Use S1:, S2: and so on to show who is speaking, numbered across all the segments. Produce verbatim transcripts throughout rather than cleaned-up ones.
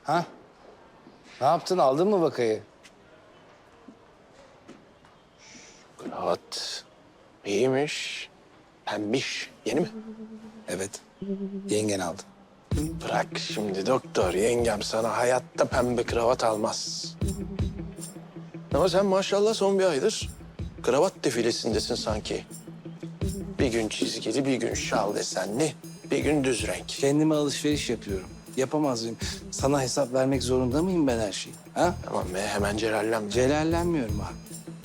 S1: Ha? Ne yaptın? Aldın mı vakayı?
S2: Kravat iyiymiş. Pembiş. Yeni mi?
S1: Evet. Yengen aldı.
S2: Bırak şimdi doktor. Yengem sana hayatta pembe kravat almaz. Ama sen maşallah son bir aydır kravat defilesindesin sanki. Bir gün çizgili, bir gün şal desenli, bir gün düz renk.
S1: Kendime alışveriş yapıyorum. Yapamaz mıyım? Sana hesap vermek zorunda mıyım ben her şeyi? Ha?
S2: Tamam be, hemen celallenme.
S1: Celallenmiyorum abi.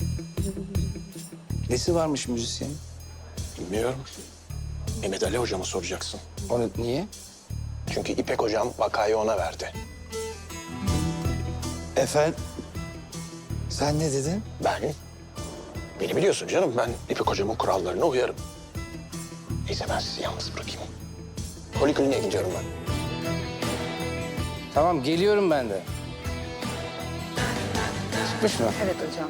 S1: Nesi varmış müzisyenin?
S2: Bilmiyorum. Mehmet Ali hocama soracaksın.
S1: Onu niye?
S2: Çünkü İpek hocam vakayı ona verdi.
S1: Efendim? Sen ne dedin?
S2: Ben, beni biliyorsun canım, ben İpek hocamın kurallarına uyarım. Neyse ben sizi yalnız bırakayım. Polikliniğe gidiyorum ben.
S1: Tamam, geliyorum ben de. Çıkmış mı?
S3: Evet hocam.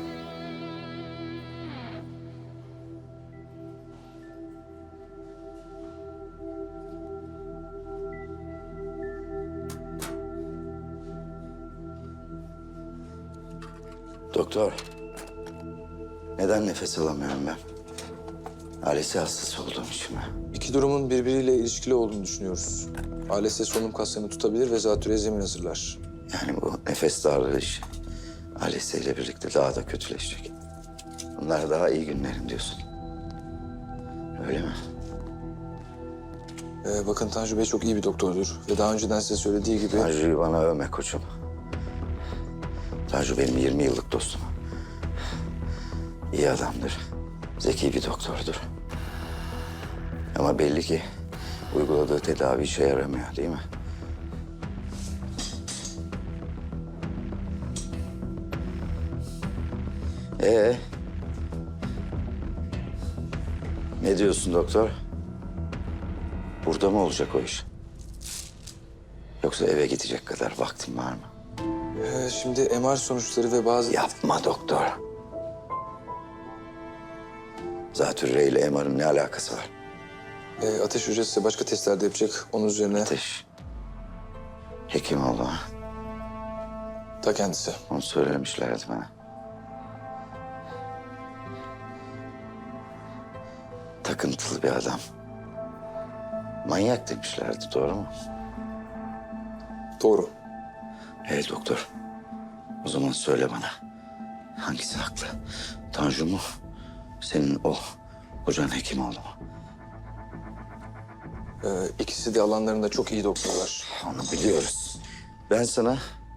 S4: Doktor, neden nefes alamıyorum ben? A L S hastası olduğum için mi?
S5: İki durumun birbiriyle ilişkili olduğunu düşünüyoruz. A L S solunum kaslarını tutabilir ve zatürre zemin hazırlar.
S4: Yani bu nefes darlığı işi A L S ile birlikte daha da kötüleşecek. Bunlar daha iyi günlerim diyorsun. Öyle mi?
S5: Ee, bakın Tanju Bey çok iyi bir doktordur ve daha önceden size söylediği gibi...
S4: Tanju'yu bana övme koçum. Tanju benim yirmi yıllık dostum. İyi adamdır. Zeki bir doktordur. Ama belli ki uyguladığı tedavi işe yaramıyor, değil mi? Ee? Ne diyorsun doktor? Burada mı olacak o iş? Yoksa eve gidecek kadar vaktin var mı?
S5: Ee, şimdi M R sonuçları ve bazı...
S4: Yapma doktor. Zatürre ile M R'ın ne alakası var?
S5: Ee, ateş hocası size başka testler de yapacak. Onun üzerine
S4: Ateş. Hekimoğlu ha.
S5: ta kendisi.
S4: Onu söylemişlerdi bana. Takıntılı bir adam. Manyak demişlerdi, doğru mu?
S5: Doğru.
S4: Hey doktor. O zaman söyle bana. Hangisi haklı? Tanju mu? Senin o hocan Hekimoğlu mu?
S5: Ee, ikisi de alanlarında çok iyi doktorlar.
S4: Onu biliyoruz. Ben sana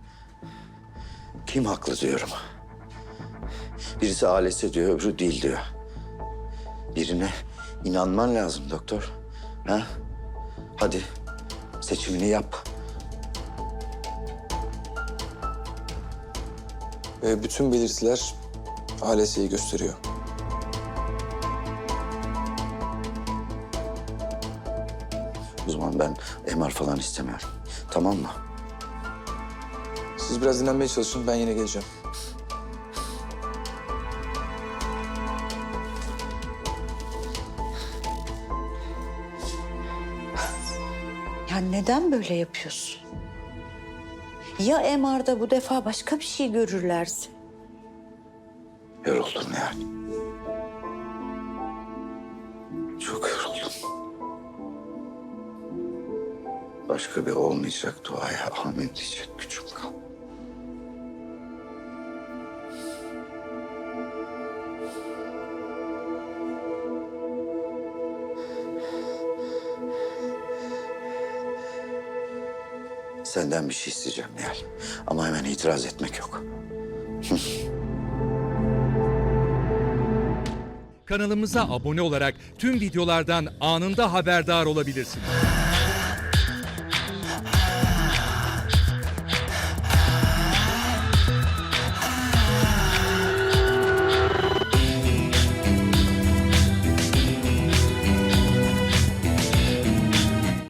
S4: kim haklı diyorum. Birisi A L S diyor, öbürü değil diyor. Birine inanman lazım doktor. Ha? Hadi seçimini yap.
S5: Ee, bütün belirtiler A L S'yi gösteriyor.
S4: O zaman ben M R falan istemiyorum. Tamam mı?
S5: Siz biraz dinlenmeye çalışın, ben yine geleceğim.
S3: Ya neden böyle yapıyorsun? Ya M R'da bu defa başka bir şey görürlerse?
S4: Yoruldum yani. Çok yoruldum. Başka bir olmayacak duaya amin diyecek gücüm kalmadı. Senden bir şey isteyeceğim Nihal. Ama hemen itiraz etmek yok.
S6: Kanalımıza abone olarak tüm videolardan anında haberdar olabilirsiniz.